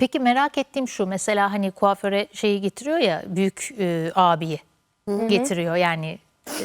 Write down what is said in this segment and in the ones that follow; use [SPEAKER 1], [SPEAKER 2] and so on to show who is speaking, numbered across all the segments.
[SPEAKER 1] Peki merak ettiğim şu, mesela hani kuaföre şeyi getiriyor ya, büyük abiyi getiriyor yani,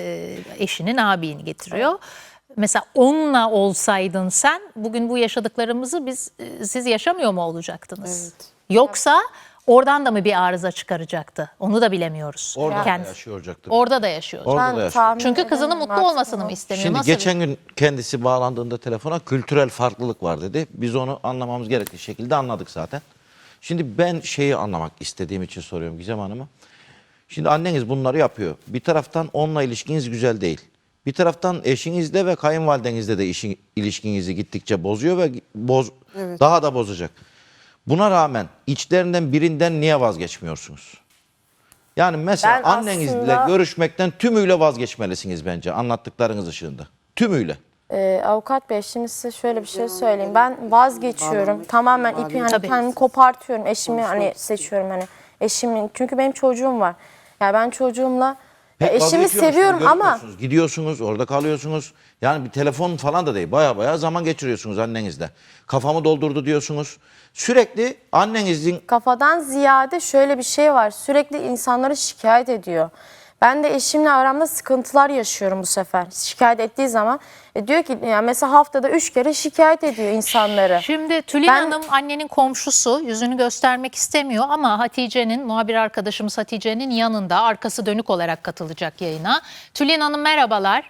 [SPEAKER 1] eşinin abini getiriyor. Evet. Mesela onunla olsaydın sen bugün bu yaşadıklarımızı siz yaşamıyor mu olacaktınız? Evet. Yoksa oradan da mı bir arıza çıkaracaktı? Onu da bilemiyoruz.
[SPEAKER 2] Orada da yaşayacaktır.
[SPEAKER 1] Orada da yaşıyor.
[SPEAKER 2] Orada da yaşıyor.
[SPEAKER 1] Çünkü kızının mutlu olmasını mı istemiyor?
[SPEAKER 2] Şimdi
[SPEAKER 1] Nasıl
[SPEAKER 2] geçen gün kendisi bağlandığında telefona kültürel farklılık var dedi. Biz onu anlamamız gerektiği şekilde anladık zaten. Şimdi ben şeyi anlamak istediğim için soruyorum Gizem Hanım'a. Şimdi anneniz bunları yapıyor. Bir taraftan onunla ilişkiniz güzel değil. Bir taraftan eşinizle ve kayınvalidenizle de ilişkinizi gittikçe bozuyor ve daha da bozacak. Buna rağmen içlerinden birinden niye vazgeçmiyorsunuz? Yani mesela annenizle görüşmekten tümüyle vazgeçmelisiniz bence anlattıklarınız ışığında. Tümüyle.
[SPEAKER 3] Avukat Bey, şimdi size şöyle bir şey söyleyeyim. Ben vazgeçiyorum. Tamamen ipi hani kendimi kopartıyorum. Eşimi hani seçiyorum hani eşimin. Çünkü benim çocuğum var. Yani ben çocuğumla eşimi seviyorum ama
[SPEAKER 2] gidiyorsunuz, orada kalıyorsunuz. Yani bir telefon falan da değil. Baya zaman geçiriyorsunuz annenizle. Kafamı doldurdu diyorsunuz. Sürekli annenizin...
[SPEAKER 3] Kafadan ziyade şöyle bir şey var. Sürekli insanları şikayet ediyor. Ben de eşimle aramda sıkıntılar yaşıyorum bu sefer. Şikayet ettiği zaman diyor ki yani mesela haftada 3 kere şikayet ediyor insanları.
[SPEAKER 1] Şimdi Tülin Hanım annenin komşusu, yüzünü göstermek istemiyor ama Hatice'nin, muhabir arkadaşımız Hatice'nin yanında, arkası dönük olarak katılacak yayına. Tülin Hanım merhabalar.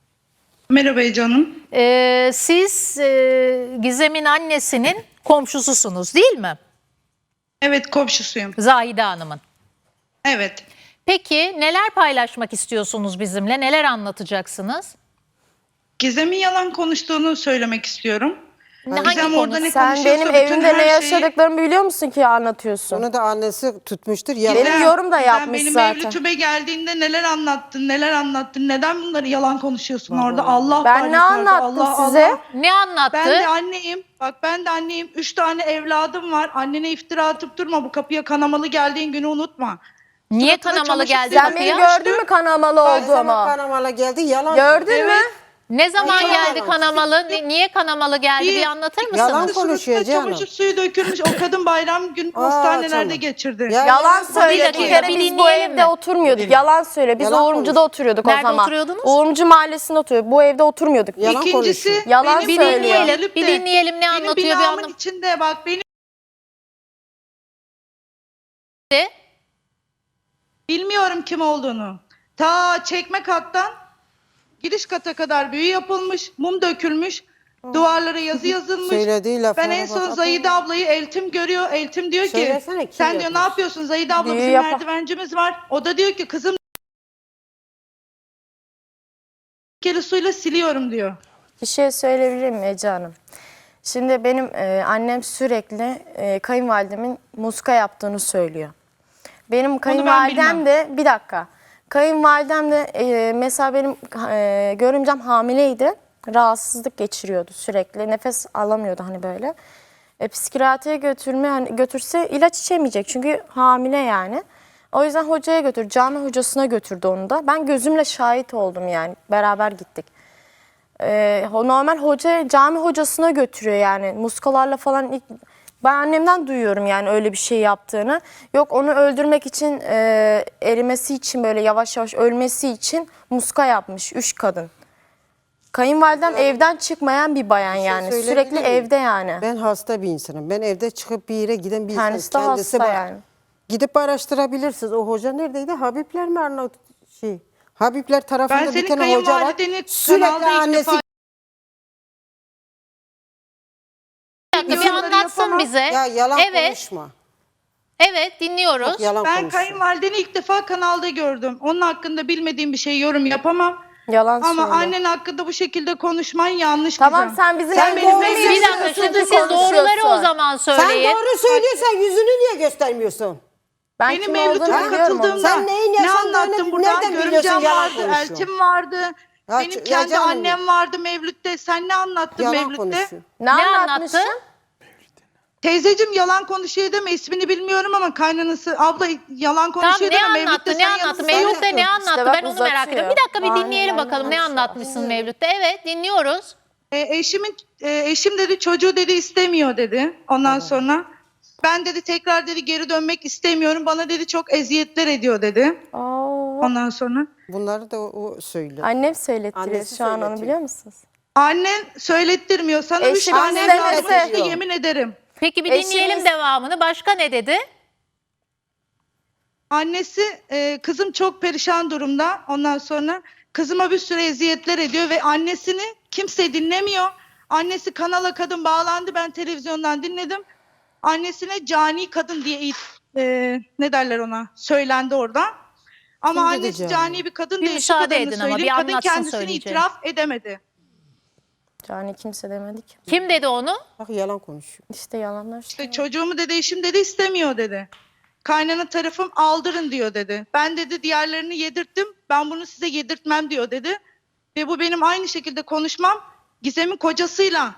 [SPEAKER 4] Merhaba canım.
[SPEAKER 1] Siz Gizem'in annesinin komşususunuz değil mi?
[SPEAKER 4] Evet, komşusuyum.
[SPEAKER 1] Zahide Hanım'ın.
[SPEAKER 4] Evet.
[SPEAKER 1] Peki neler paylaşmak istiyorsunuz bizimle? Neler anlatacaksınız?
[SPEAKER 4] Gizem'in yalan konuştuğunu söylemek istiyorum.
[SPEAKER 1] Gizem orada
[SPEAKER 3] ne sen benim evimde ne yaşadıklarımı biliyor musun ki anlatıyorsun?
[SPEAKER 5] Onu da annesi tutmuştur.
[SPEAKER 3] Benim yorum da yapmış
[SPEAKER 4] benim
[SPEAKER 3] zaten.
[SPEAKER 4] Benim evlitüme geldiğinde neler anlattın, neden bunları yalan konuşuyorsun orada? Allah
[SPEAKER 3] ben ne anlattım size?
[SPEAKER 4] Allah.
[SPEAKER 1] Ne anlattı?
[SPEAKER 4] Ben de anneyim. Bak ben de anneyim. 3 tane evladım var. Annene iftira atıp durma. Bu kapıya kanamalı geldiğin günü unutma.
[SPEAKER 1] Niye kanamalı geldi
[SPEAKER 3] Sen beni gördün mü kanamalı olduğumu?
[SPEAKER 5] Kanamalı geldi, yalan.
[SPEAKER 3] Gördün mü?
[SPEAKER 1] Ne zaman geldi kanamalı? Niye kanamalı geldi? Bir anlatır mısınız?
[SPEAKER 5] Yalan konuşuyor canım.
[SPEAKER 4] Çamaşır suyu dökülmüş. O kadın bayram gün hastanelerde geçirdi.
[SPEAKER 3] Yalan söyle. Bir kere biz bu evde oturmuyorduk. Yalan söyle. Biz Uğurumcu'da oturuyorduk o zaman.
[SPEAKER 1] Nerede oturuyordunuz?
[SPEAKER 3] Uğurumcu mahallesinde oturuyorduk. Bu evde oturmuyorduk.
[SPEAKER 4] İkincisi
[SPEAKER 3] yalan söylüyor.
[SPEAKER 1] Bir dinleyelim ne anlatıyor bir
[SPEAKER 4] binamın
[SPEAKER 1] anlam.
[SPEAKER 4] içinde bak benim bilmiyorum kim olduğunu. Ta çekme kattan giriş kata kadar büyü yapılmış, mum dökülmüş, duvarlara yazı yazılmış. Ben en son Zahide ablayı Eltim görüyor. Eltim diyor ki sen diyor ne yapıyorsun Zahide abla, bizim merdivencimiz var. O da diyor ki kızım kere suyla siliyorum diyor.
[SPEAKER 3] Bir şey söyleyebilir miyim Ece Hanım? Şimdi benim annem sürekli kayınvalidemin muska yaptığını söylüyor. Benim kayınvalidem de bir dakika. Kayınvalidem de mesela benim görümcem hamileydi. Rahatsızlık geçiriyordu sürekli. Nefes alamıyordu hani böyle. Psikiyatriye götürse ilaç içemeyecek. Çünkü hamile yani. O yüzden hocaya götür. Cami hocasına götürdü onu da. Ben gözümle şahit oldum yani. Beraber gittik. Normal hoca cami hocasına götürüyor yani. Muskalarla falan ben annemden duyuyorum yani öyle bir şey yaptığını. Yok onu öldürmek için erimesi için böyle yavaş yavaş ölmesi için muska yapmış 3 kadın. Kayınvalidem evden çıkmayan bir bayan yani. Sürekli evde yani.
[SPEAKER 5] Ben hasta bir insanım. Ben evde çıkıp bir yere giden bir insanım.
[SPEAKER 3] Kendisi de hasta yani.
[SPEAKER 5] Gidip araştırabilirsiniz. O hoca neredeydi? Habibler mi Habibler tarafında bir tane hoca var. Sürekli annesi
[SPEAKER 1] Bir anlatsın bize.
[SPEAKER 5] Ya yalan konuşma.
[SPEAKER 1] Evet dinliyoruz.
[SPEAKER 5] Bak, yalan
[SPEAKER 4] Ben
[SPEAKER 5] konuşuyor.
[SPEAKER 4] kayınvalideni ilk defa kanalda gördüm. Onun hakkında bilmediğim bir şey yorum yapamam.
[SPEAKER 3] Yalan
[SPEAKER 4] Ama
[SPEAKER 3] söylüyor.
[SPEAKER 4] annen hakkında bu şekilde konuşman yanlış
[SPEAKER 3] Tamam
[SPEAKER 4] kızım.
[SPEAKER 3] sen bizim
[SPEAKER 5] Sen
[SPEAKER 3] evimizde
[SPEAKER 5] doğru
[SPEAKER 1] Bir
[SPEAKER 5] söylüyorsun.
[SPEAKER 1] dakika şimdi siz doğruları o zaman
[SPEAKER 5] Sen
[SPEAKER 1] söyleyin.
[SPEAKER 5] doğru söylüyorsan yüzünü niye göstermiyorsun?
[SPEAKER 3] Ben
[SPEAKER 4] Benim
[SPEAKER 3] kim
[SPEAKER 4] evlitime
[SPEAKER 3] olduğunu biliyorum onu.
[SPEAKER 4] katıldığımda
[SPEAKER 5] Sen neyin
[SPEAKER 4] ne
[SPEAKER 5] yaşandığını
[SPEAKER 4] anlattım burada?
[SPEAKER 5] nereden biliyorsun,
[SPEAKER 4] Görümcem
[SPEAKER 5] yalan
[SPEAKER 4] vardı,
[SPEAKER 5] konuşuyorsun.
[SPEAKER 4] eltim vardı.
[SPEAKER 5] Ya,
[SPEAKER 4] Benim kendi
[SPEAKER 5] canım
[SPEAKER 4] annem vardı Mevlüt'te. Sen ne anlattın
[SPEAKER 5] Yalan
[SPEAKER 4] Mevlüt'te?
[SPEAKER 5] konuşuyor.
[SPEAKER 3] Ne anlatmışsın?
[SPEAKER 4] Teyzeciğim yalan konuşuyor deme, ismini bilmiyorum ama kaynanası abla yalan konuşuyor
[SPEAKER 1] Tamam
[SPEAKER 4] deme.
[SPEAKER 1] ne anlattı? Ne anlattı? Mevlüt'te ne anlattı?
[SPEAKER 3] İşte bak,
[SPEAKER 1] Ben onu merak ediyorum. Bir dakika bir dinleyelim bakalım ne anlatmışsın Mevlüt'te. Evet dinliyoruz.
[SPEAKER 4] Eşim dedi çocuğu dedi istemiyor dedi. Ondan sonra Ben dedi tekrar dedi geri dönmek istemiyorum. Bana dedi çok eziyetler ediyor dedi. Ondan sonra
[SPEAKER 5] Bunları da o söylüyor.
[SPEAKER 3] Annem söylettiriyor
[SPEAKER 5] Annesi
[SPEAKER 3] şu an, onu
[SPEAKER 5] söyletiyor.
[SPEAKER 3] biliyor musunuz?
[SPEAKER 4] annen söylettirmiyor. Sana 3
[SPEAKER 3] Eşim
[SPEAKER 4] tane
[SPEAKER 3] istemese-
[SPEAKER 4] evladım olsa yemin ederim.
[SPEAKER 1] Peki bir
[SPEAKER 3] Eşimiz-
[SPEAKER 1] dinleyelim devamını. Başka ne dedi?
[SPEAKER 4] Annesi kızım çok perişan durumda. Ondan sonra kızıma bir sürü eziyetler ediyor ve annesini kimse dinlemiyor. Annesi kanala kadın bağlandı. Ben televizyondan dinledim. Annesine cani kadın diye ne derler ona söylendi orada. Ama
[SPEAKER 5] Kim dedi
[SPEAKER 4] annesi
[SPEAKER 5] cani?
[SPEAKER 4] cani bir kadın
[SPEAKER 1] Bir
[SPEAKER 4] değil. Şu
[SPEAKER 1] müsaade
[SPEAKER 4] kadarını
[SPEAKER 1] edin ama,
[SPEAKER 4] söyleyeyim.
[SPEAKER 1] bir
[SPEAKER 4] Kadın
[SPEAKER 1] anlatsın
[SPEAKER 4] kendisini
[SPEAKER 1] söyleyeceğini.
[SPEAKER 4] itiraf edemedi.
[SPEAKER 3] Yani kimse demedi ki.
[SPEAKER 1] Kim dedi onu?
[SPEAKER 5] Bak yalan konuşuyor.
[SPEAKER 3] İşte yalanlar.
[SPEAKER 4] İşte çocuğumu dedi eşim dedi istemiyor dedi. Kaynana tarafım aldırın diyor dedi. Ben dedi diğerlerini yedirttim. Ben bunu size yedirtmem diyor dedi. Ve bu benim aynı şekilde konuşmam. Gizem'in kocasıyla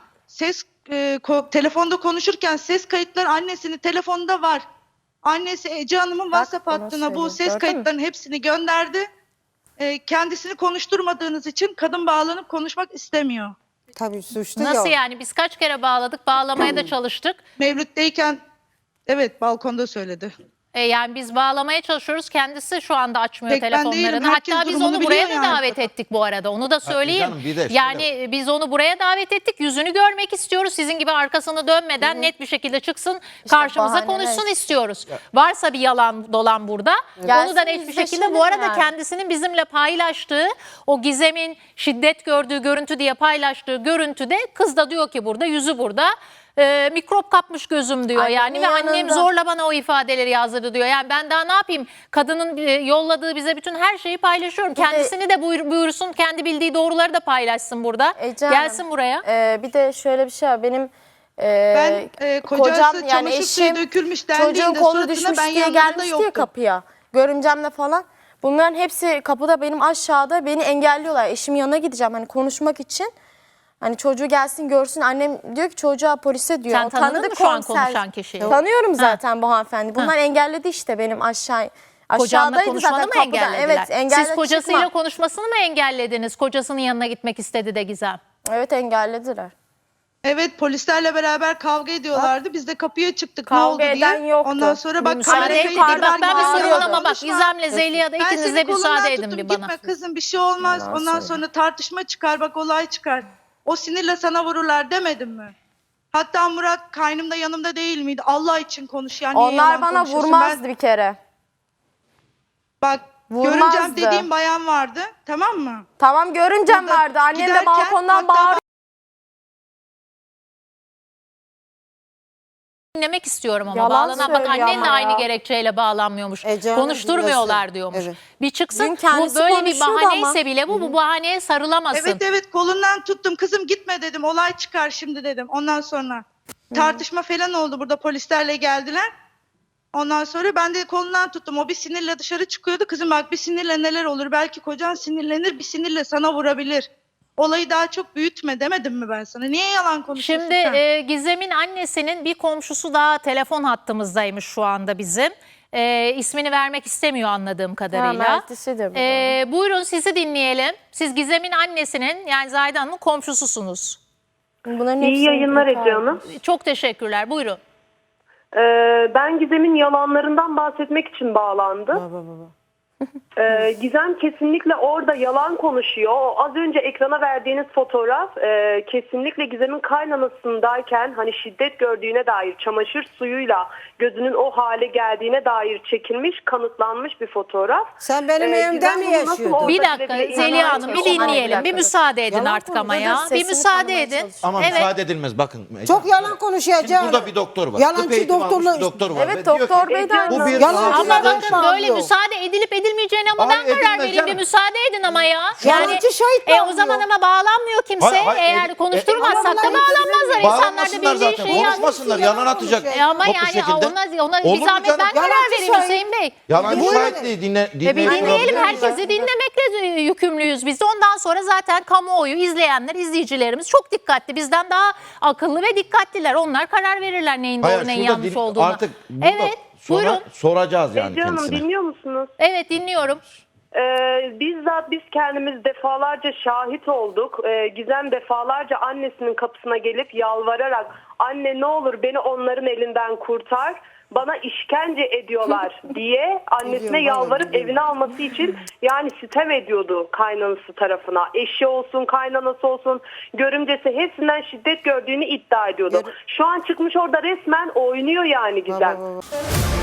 [SPEAKER 4] telefonda konuşurken ses kayıtları annesinin telefonunda var. Annesi Ece Hanım'ın WhatsApp
[SPEAKER 3] bunu
[SPEAKER 4] hattına bu
[SPEAKER 3] söylüyor,
[SPEAKER 4] ses
[SPEAKER 3] gördün mü?
[SPEAKER 4] kayıtlarının hepsini gönderdi. Kendisini konuşturmadığınız için kadın bağlanıp konuşmak istemiyor.
[SPEAKER 5] Tabii suçlu
[SPEAKER 1] Nasıl
[SPEAKER 5] ya.
[SPEAKER 1] yani? Biz kaç kere bağladık, bağlamaya da çalıştık.
[SPEAKER 4] Mevlüt'teyken evet balkonda söyledi.
[SPEAKER 1] Yani biz bağlamaya çalışıyoruz. Kendisi şu anda açmıyor
[SPEAKER 4] Tek ben
[SPEAKER 1] telefonlarını.
[SPEAKER 4] değilim, herkes
[SPEAKER 1] Hatta biz
[SPEAKER 4] durumunu
[SPEAKER 1] onu buraya
[SPEAKER 4] biliyor
[SPEAKER 1] da
[SPEAKER 4] yani.
[SPEAKER 1] davet ettik bu arada. Onu da söyleyeyim.
[SPEAKER 2] canım, bir de şöyle
[SPEAKER 1] Yani biz onu buraya davet ettik. Yüzünü görmek istiyoruz. Sizin gibi arkasını dönmeden net bir şekilde çıksın, karşımıza
[SPEAKER 3] bahaneler.
[SPEAKER 1] konuşsun istiyoruz. Varsa bir yalan dolan burada.
[SPEAKER 3] Gelsin
[SPEAKER 1] Onu da net bir
[SPEAKER 3] yüzleşelim
[SPEAKER 1] şekilde bu arada
[SPEAKER 3] yani.
[SPEAKER 1] kendisinin bizimle paylaştığı o Gizem'in şiddet gördüğü görüntü diye paylaştığı görüntüde kız da diyor ki burada, yüzü burada. Mikrop kapmış gözüm diyor
[SPEAKER 3] Annemin
[SPEAKER 1] yani ve annem
[SPEAKER 3] yanında.
[SPEAKER 1] zorla bana o ifadeleri yazdırdı diyor. Yani ben daha ne yapayım? Kadının yolladığı bize bütün her şeyi paylaşıyorum. Kendisini de buyursun, kendi bildiği doğruları da paylaşsın burada.
[SPEAKER 3] Ece Hanım,
[SPEAKER 1] Gelsin buraya.
[SPEAKER 3] Bir de şöyle bir şey var. Benim
[SPEAKER 4] Ben kocası
[SPEAKER 3] kocam, yani
[SPEAKER 4] çamaşır suyu
[SPEAKER 3] eşim
[SPEAKER 4] dökülmüş
[SPEAKER 3] çocuğun
[SPEAKER 4] dendiğinde
[SPEAKER 3] kolu
[SPEAKER 4] suratına
[SPEAKER 3] düşmüş
[SPEAKER 4] ben
[SPEAKER 3] diye
[SPEAKER 4] yanlarında
[SPEAKER 3] gelmişti ya
[SPEAKER 4] yoktum.
[SPEAKER 3] kapıya. Görümcemle falan. Bunların hepsi kapıda, benim aşağıda beni engelliyorlar. Eşimin yanına gideceğim hani konuşmak için. Hani çocuğu gelsin görsün. Annem diyor ki çocuğa polise diyor.
[SPEAKER 1] Sen
[SPEAKER 3] O
[SPEAKER 1] tanıdın
[SPEAKER 3] tanıdı
[SPEAKER 1] mı şu an
[SPEAKER 3] komiser.
[SPEAKER 1] konuşan kişiyi?
[SPEAKER 3] Tanıyorum zaten bu hanımefendi. Bunlar engelledi işte benim
[SPEAKER 1] Kocanla
[SPEAKER 3] aşağıdaydı
[SPEAKER 1] konuşmanı
[SPEAKER 3] zaten
[SPEAKER 1] mı
[SPEAKER 3] kapıda.
[SPEAKER 1] engellediler?
[SPEAKER 3] Evet, engelle
[SPEAKER 1] Siz kocasıyla
[SPEAKER 3] çıkma.
[SPEAKER 1] konuşmasını mı engellediniz? Kocasının yanına gitmek istedi de Gizem.
[SPEAKER 3] Evet, engellediler.
[SPEAKER 4] Evet polislerle beraber kavga ediyorlardı. Biz de kapıya çıktık
[SPEAKER 3] Kavga
[SPEAKER 4] ne oldu diye.
[SPEAKER 3] eden yoktu.
[SPEAKER 4] Ondan sonra bak
[SPEAKER 1] Müsaade
[SPEAKER 4] kamera
[SPEAKER 1] edin.
[SPEAKER 4] kayıtları
[SPEAKER 1] Bak ben bir
[SPEAKER 3] bağırıyordu.
[SPEAKER 1] sorun ama bak
[SPEAKER 4] konuşma.
[SPEAKER 1] Gizem'le Zeliha da
[SPEAKER 4] Ben
[SPEAKER 1] ikiniz
[SPEAKER 4] senin
[SPEAKER 1] de
[SPEAKER 4] kolundan
[SPEAKER 1] müsaade edin
[SPEAKER 4] tuttum,
[SPEAKER 1] bir bana.
[SPEAKER 4] Gitme kızım bir şey olmaz.
[SPEAKER 3] Yalan
[SPEAKER 4] Ondan
[SPEAKER 3] söyle.
[SPEAKER 4] sonra tartışma çıkar bak olay çıkar. O sinirle sana vururlar demedim mi? Hatta Murat kaynımda yanımda değil miydi? Allah için konuş ya. Niye
[SPEAKER 3] Onlar
[SPEAKER 4] yalan
[SPEAKER 3] bana
[SPEAKER 4] konuşuyorsun?
[SPEAKER 3] vurmazdı bir kere.
[SPEAKER 4] Bak
[SPEAKER 3] Vurmazdı.
[SPEAKER 4] görümcem dediğim bayan vardı tamam mı?
[SPEAKER 3] Tamam, görümcem
[SPEAKER 4] Burada
[SPEAKER 3] vardı. Annem de
[SPEAKER 4] giderken
[SPEAKER 3] balkondan
[SPEAKER 4] hatta
[SPEAKER 3] bağırıyor.
[SPEAKER 1] Dinlemek istiyorum ama
[SPEAKER 3] Yalan
[SPEAKER 1] bağlanan. Bak
[SPEAKER 3] söylüyor
[SPEAKER 1] annen de
[SPEAKER 3] ama
[SPEAKER 1] aynı
[SPEAKER 3] ya.
[SPEAKER 1] gerekçeyle bağlanmıyormuş.
[SPEAKER 5] Ece Hanım
[SPEAKER 1] Konuşturmuyorlar
[SPEAKER 5] dinlesin.
[SPEAKER 1] diyormuş.
[SPEAKER 5] Evet.
[SPEAKER 1] Bir çıksın
[SPEAKER 3] Dün
[SPEAKER 1] bu
[SPEAKER 3] kendisi
[SPEAKER 1] böyle bir
[SPEAKER 3] konuşuyordu
[SPEAKER 1] bahaneyse
[SPEAKER 3] ama.
[SPEAKER 1] bile bu bahaneye sarılamasın.
[SPEAKER 4] Evet evet kolundan tuttum kızım gitme dedim olay çıkar şimdi dedim. Ondan sonra tartışma falan oldu burada polislerle geldiler. Ondan sonra ben de kolundan tuttum o bir sinirle dışarı çıkıyordu. Kızım bak bir sinirle neler olur belki kocan sinirlenir bir sinirle sana vurabilir. Olayı daha çok büyütme demedim mi ben sana? Niye yalan konuşuyorsun
[SPEAKER 1] Şimdi
[SPEAKER 4] sen?
[SPEAKER 1] Gizem'in annesinin bir komşusu daha telefon hattımızdaymış şu anda bizim. İsmini vermek istemiyor anladığım kadarıyla.
[SPEAKER 3] Mert'isidir bu da.
[SPEAKER 1] Buyurun sizi dinleyelim. Siz Gizem'in annesinin yani Zahide Hanım'ın komşususunuz.
[SPEAKER 3] Bunların
[SPEAKER 6] İyi
[SPEAKER 3] hepsini
[SPEAKER 6] yayınlar
[SPEAKER 3] tekrar-
[SPEAKER 6] Ece Hanım.
[SPEAKER 1] Çok teşekkürler. Buyurun.
[SPEAKER 6] Ben Gizem'in yalanlarından bahsetmek için bağlandım. Gizem kesinlikle orada yalan konuşuyor. O az önce ekrana verdiğiniz fotoğraf kesinlikle Gizem'in kaynanasındayken hani şiddet gördüğüne dair çamaşır suyuyla gözünün o hale geldiğine dair çekilmiş, kanıtlanmış bir fotoğraf.
[SPEAKER 5] Sen benim evimde
[SPEAKER 6] Gizem
[SPEAKER 5] mi
[SPEAKER 6] bunu nasıl
[SPEAKER 5] yaşıyordun?
[SPEAKER 6] orada
[SPEAKER 1] Bir dakika
[SPEAKER 6] bile
[SPEAKER 1] Zeliha
[SPEAKER 6] inanmaya
[SPEAKER 1] Hanım bir
[SPEAKER 6] çalışıyor?
[SPEAKER 1] dinleyelim. Bir müsaade edin
[SPEAKER 5] Yalan
[SPEAKER 1] artık ama
[SPEAKER 5] konuşuyor.
[SPEAKER 1] ya.
[SPEAKER 3] Sesini
[SPEAKER 1] Bir müsaade
[SPEAKER 3] tanımaya
[SPEAKER 1] edin.
[SPEAKER 3] çalışıyor.
[SPEAKER 2] Ama
[SPEAKER 1] Evet.
[SPEAKER 2] müsaade edilmez bakın.
[SPEAKER 5] Çok yalan konuşuyor Ece
[SPEAKER 2] Şimdi
[SPEAKER 5] Hanım.
[SPEAKER 2] burada bir doktor var.
[SPEAKER 5] Yalancı
[SPEAKER 2] Tıp eğitimi almış
[SPEAKER 5] doktorla-
[SPEAKER 2] bir doktor var.
[SPEAKER 3] Evet,
[SPEAKER 2] Ve diyor ki,
[SPEAKER 3] doktor bey de
[SPEAKER 6] Bu
[SPEAKER 3] aynı.
[SPEAKER 2] bir
[SPEAKER 5] Yalancı
[SPEAKER 1] Ama
[SPEAKER 2] rahatsızlık-
[SPEAKER 5] şahit
[SPEAKER 1] bakın böyle
[SPEAKER 5] bağlıyor.
[SPEAKER 1] müsaade edilip edilmeyeceğine ama
[SPEAKER 2] Hayır,
[SPEAKER 1] ben karar
[SPEAKER 2] edilmez
[SPEAKER 1] vereyim. Bir
[SPEAKER 2] canım.
[SPEAKER 1] müsaade edin ama ya.
[SPEAKER 5] Yalancı şahit
[SPEAKER 1] O
[SPEAKER 5] bağlıyor.
[SPEAKER 1] zaman ama bağlanmıyor kimse.
[SPEAKER 2] Hayır, hayır,
[SPEAKER 1] Eğer konuşturmazsak da
[SPEAKER 5] ama bunlar
[SPEAKER 1] bağlanmazlar. İnsanlar da
[SPEAKER 2] Bağlanmasınlar
[SPEAKER 1] bildiği
[SPEAKER 2] zaten.
[SPEAKER 1] şeyi
[SPEAKER 2] Konuşmasınlar. Yalan atacak.
[SPEAKER 1] Ama
[SPEAKER 2] Toplu
[SPEAKER 1] yani
[SPEAKER 2] şekilde.
[SPEAKER 1] ona bir
[SPEAKER 2] Olur mu
[SPEAKER 1] zahmet
[SPEAKER 2] canım?
[SPEAKER 1] ben karar
[SPEAKER 5] Yalancı
[SPEAKER 1] vereyim
[SPEAKER 5] şahit.
[SPEAKER 1] Hüseyin Bey.
[SPEAKER 2] Yalancı
[SPEAKER 5] Buyurun.
[SPEAKER 2] şahit değil.
[SPEAKER 1] Bir
[SPEAKER 2] Dinleyin.
[SPEAKER 1] dinleyelim, herkesi dinlemekle yükümlüyüz biz de. Ondan sonra zaten kamuoyu, izleyenler, izleyicilerimiz çok dikkatli. Bizden daha akıllı ve dikkatliler. Onlar karar verirler neyin doğru neyin yanlış olduğunu.
[SPEAKER 2] Artık burada
[SPEAKER 1] Evet,
[SPEAKER 2] sonra
[SPEAKER 1] buyurun.
[SPEAKER 2] soracağız yani
[SPEAKER 6] Ece Hanım
[SPEAKER 2] kendisine.
[SPEAKER 6] dinliyor musunuz?
[SPEAKER 1] Evet dinliyorum.
[SPEAKER 6] Bizzat biz kendimiz defalarca şahit olduk. Gizem defalarca annesinin kapısına gelip yalvararak anne ne olur beni onların elinden kurtar. Bana işkence ediyorlar diye annesine yalvarıp evine alması için yani sitem ediyordu kaynanası tarafına. Eşi olsun, kaynanası olsun, görümcesi hepsinden şiddet gördüğünü iddia ediyordu. Şu an çıkmış orada resmen oynuyor yani Gizem.